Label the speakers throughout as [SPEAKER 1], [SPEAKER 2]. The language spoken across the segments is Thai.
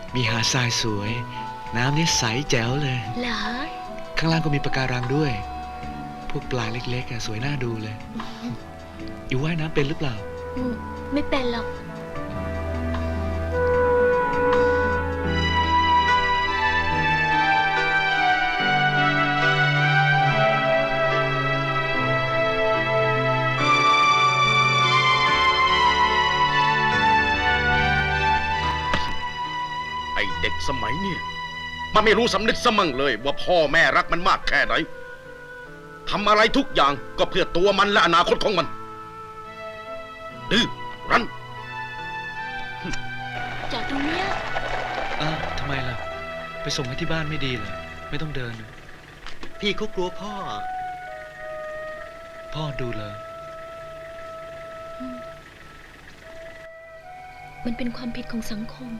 [SPEAKER 1] มีหาดทรายสวย น้ำนี่ใสแจ๋วเลย
[SPEAKER 2] เหรอ
[SPEAKER 1] ข้างล่างก็มีปะการังด้วย พวกปลาเล็กๆสวยน่าดูเลยอยู่ว่ายน้ำเป็นหรือเปล่า
[SPEAKER 2] ไม่เป็นหรอก
[SPEAKER 3] ไอ้เด็กสมัยเนี่ยมันไม่รู้สำนึกสมั่งเลยว่าพ่อแม่รักมันมากแค่ไหนทำอะไรทุกอย่างก็เพื่อตัวมันและอนาคตของมันดื้อรั้น
[SPEAKER 2] จอดตรงเนี้ย
[SPEAKER 1] อ้าวทำไมล่ะ ไปส่งให้ที่บ้านไม่ดีเหรอไม่ต้องเดิน
[SPEAKER 4] พี่เขากลัวพ่อ
[SPEAKER 1] พ่อดูเลย
[SPEAKER 2] มันเป็นความผิดของสังคม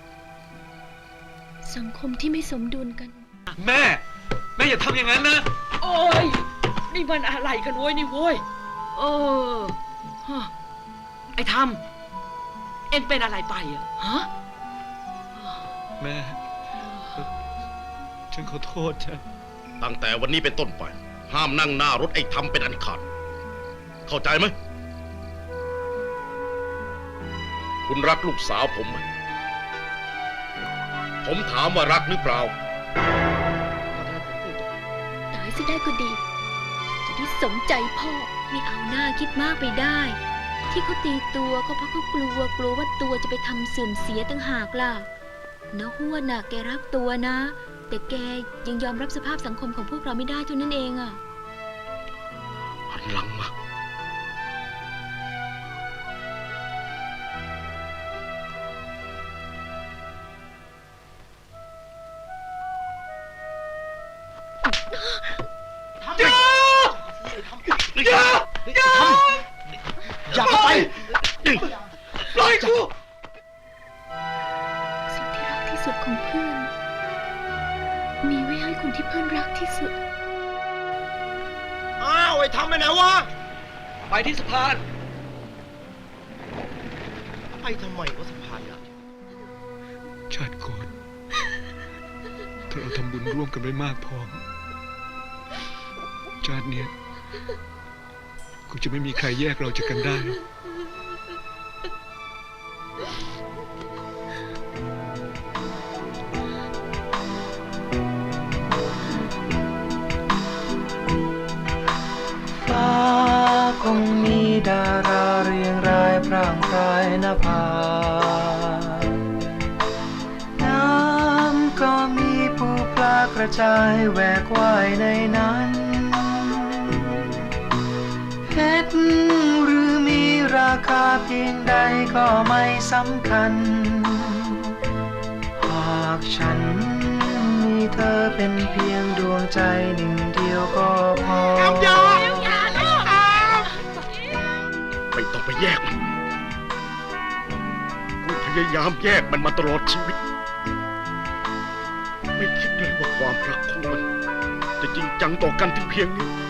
[SPEAKER 2] สังคมที่ไม่สมดุลกัน
[SPEAKER 1] แม่อย่าทำอย่างนั้นนะ
[SPEAKER 5] โอ้ยนี่มันอะไรกันโว้ยนี่โว้ยฮะไอ้ทำเอ็งเป็นอะไรไปอะฮะ
[SPEAKER 1] แม่ฉันขอโทษจ้ะ
[SPEAKER 3] ตั้งแต่วันนี้เป็นต้นไปห้ามนั่งหน้ารถไอ้ทำเป็นอันขาดเข้าใจไหมคุณรักลูกสาวผมไหมผมถามว่ารักหรือเปล่า
[SPEAKER 2] ตายสิได้ก็ดี จะได้สมใจพ่อ ไม่เอาหน้าคิดมากไปได้ ที่เขาตีตัวก็เพราะเขากลัวว่าตัวจะไปทำเสื่อมเสียต่างหากล่ะนะห้วนน่ะแกรักตัวนะ แต่แกยังยอมรับสภาพสังคมของพวกเราไม่ได้เท่านั้นเองอ่ะ
[SPEAKER 3] หันหลังมาอย่าเข้าไปปล่อยกู
[SPEAKER 2] สิ่งที่รักที่สุดของเพื่อน มีไว้ให้คนที่เพื่อนรักที่สุด
[SPEAKER 4] อ้าวไอ้ทำไปไหนวะ
[SPEAKER 1] ไปที่สะพาน
[SPEAKER 4] ไปทำไมวะสะพานอ่ะ
[SPEAKER 1] ชาติก่อนถ้าเราทำบุญร่วมกันไม่มากพอชาติเนี้ยคงจะไม่มีใครแยกเราจากกันได้
[SPEAKER 6] ฟ้าคงมีดาราเรียงรายพร่างพรายนภาน้ำก็มีปูปลากระจายแหวกว่ายในนั้นเพชรหรือมีราคาเพียงใดก็ไม่สำคัญหากฉันมีเธอเป็นเพียงดวงใจหนึ่งเดียวก็พอ
[SPEAKER 3] ไม่ต้องไปแยกมัน กูพยายามแยกมันมาตลอดชีวิต ไม่คิดเลยว่าความรักของมันจะจริงจังต่อกันถึงเพียงนี้